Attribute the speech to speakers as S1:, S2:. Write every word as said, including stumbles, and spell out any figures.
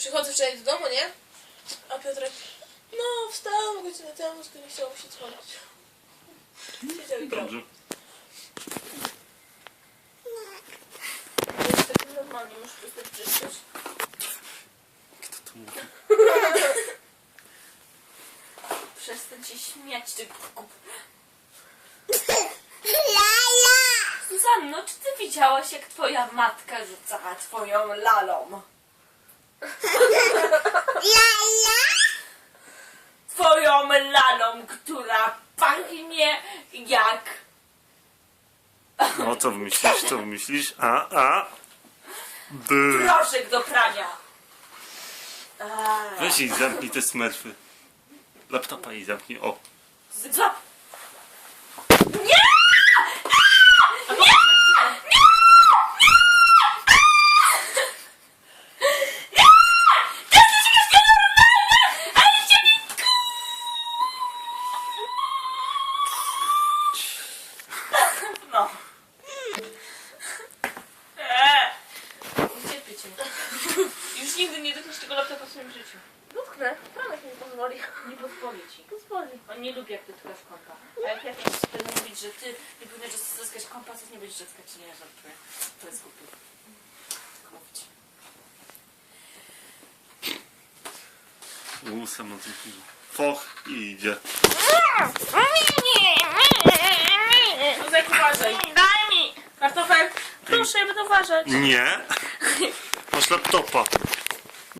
S1: przychodzę wczoraj do domu, nie? A Piotrek, no wstał godzinę temu, tylko nie chciał mu się dzwonić. Siedział i grał.
S2: Dobrze.
S1: Jest taki normalnie, muszę przestać czyścić.
S2: Kto to mówi?
S3: Przestań się śmiać, ty kup.
S4: Lala!
S3: Zuzanno, czy ty widziałaś, jak twoja matka rzucała twoją lalą?
S4: Lala!
S3: Twoją lalą, która pachnie jak...
S2: No co wymyślisz, co wymyślisz? A, a. B.
S3: proszek do prania. Eee.
S2: Weź i zamknij te smerfy. Laptopa i zamknij, o.
S3: Zap. No. Eee. Ucierpię cię. Już nigdy nie dotkniesz tego laptopa w swoim życiu.
S1: Dotknę, Franek mi nie pozwoli.
S3: Nie pozwoli ci.
S1: Pozwoli.
S3: On nie lubi, jak dotykasz kompa. A jak ja teraz będę mówić, że ty nie powinieneś dotkać kompa, to nie będziesz dotkać, nie żartuję. To jest głupie. Tak mówić.
S2: Łusem na tym chwili. Foch i idzie.
S1: Józek, uważaj.
S3: Daj mi!
S1: Kartofel, proszę, ja będę uważać.
S2: Nie. Masz laptopa.